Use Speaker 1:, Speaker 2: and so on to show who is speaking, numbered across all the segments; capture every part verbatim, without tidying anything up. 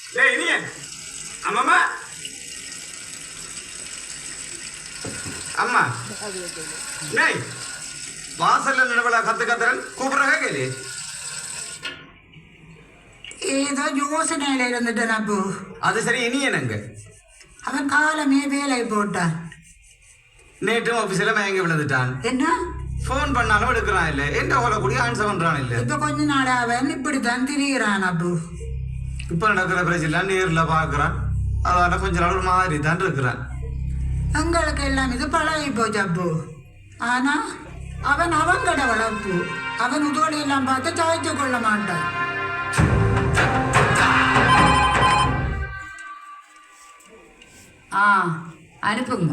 Speaker 1: டேய் இனிய அம்மா அம்மா டேய் வாசல்ல நிலவலா கத்து கத்துறன் கூப்பிடுறா கேளு.
Speaker 2: ஏதோ யோசனையில இருந்துட்டேன் அப்போ.
Speaker 1: அது சரி இனி என்னங்க
Speaker 2: அவன் காலமே வேலை போட்டான்.
Speaker 1: நேற்றும் ஆபீஸ்ல மயங்கி விழுந்துட்டான்.
Speaker 2: என்ன
Speaker 1: போன் பண்ணாலும் எடுக்கிறான் இல்ல, எந்த ஓல கூடிய ஆன்சர் பண்றான் இல்ல.
Speaker 2: இப்ப கொஞ்ச நாள் அவன் இப்படித்தான் திரிகிறான் அப்போ.
Speaker 1: இப்ப நடக்கிற பிரச்சனை நேர்ல பாக்குறான், அதனால கொஞ்ச நாள் ஒரு மாதிரி தான் இருக்கிறான்.
Speaker 2: எங்களுக்கு எல்லாம் இது பழகி போச்சு அப்போ. ஆனா அவன் அவங்கட வளர்ப்பு. அவன் உதோடு எல்லாம் பார்த்து சாய்த்து கொள்ள மாட்டான். ஆ அனுப்புங்க.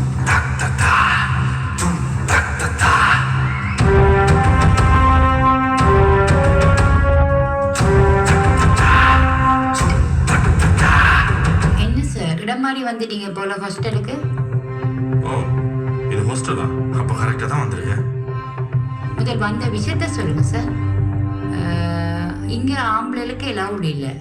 Speaker 2: என்ன சார் இடம் மாறி வந்துட்டீங்க போல ஹாஸ்டலுக்கு?
Speaker 3: ஓ இது ஹாஸ்டலா? அப்போ கரெக்டாக தான் வந்திருக்கேன்.
Speaker 2: முதல் வந்த விஷயத்த சொல்லுங்க சார். இங்கே ஆம்பளைகளுக்கு எல்லாம் இல்லை.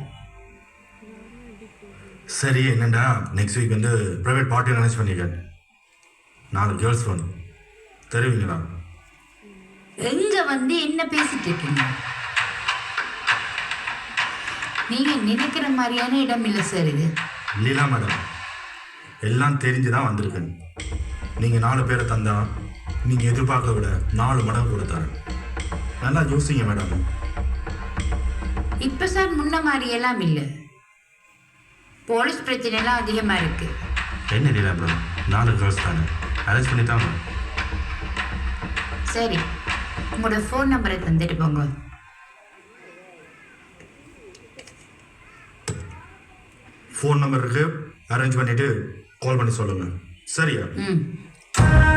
Speaker 3: சரி என்னண்டா, நெக்ஸ்ட் வீக் வந்து ப்ரைவேட் பார்ட்டி அரேஞ்ச் பண்ணியிருக்கேன். நாலு கேர்ள்ஸ் வேணும், தெரியுங்களா?
Speaker 2: எங்க வந்து என்ன பேசிட்டு இருக்கீங்க? நீங்க நினைக்கிற மாதிரியான இடம் இல்லை சார் இது.
Speaker 3: லீலா மேடம், எல்லாம் தெரிஞ்சு தான் வந்திருக்கேன். நீங்கள் நாலு பேரை தந்தா நீங்கள் எதிர்பார்க்க விட நாலு மடங்கு கொடுத்தாரு. நல்லா யோசிங்க மேடம்.
Speaker 2: இப்போ சார் முன்ன மாதிரி எல்லாம் இல்லை. போலீஸ் பிரச்சனை எல்லாம் அதிகமாக இருக்கு.
Speaker 3: என்ன லீலா மேடம், நாலு கேர்ள்ஸ் தானே, அரேஞ்ச் பண்ணி தாங்க.
Speaker 2: சரி, உங்களோட ஃபோன் நம்பரை தந்துட்டு போங்க.
Speaker 3: ஃபோன் நம்பருக்கு அரேஞ்ச் பண்ணிவிட்டு கால் பண்ணி சொல்லுங்கள். சரியா?
Speaker 2: ம்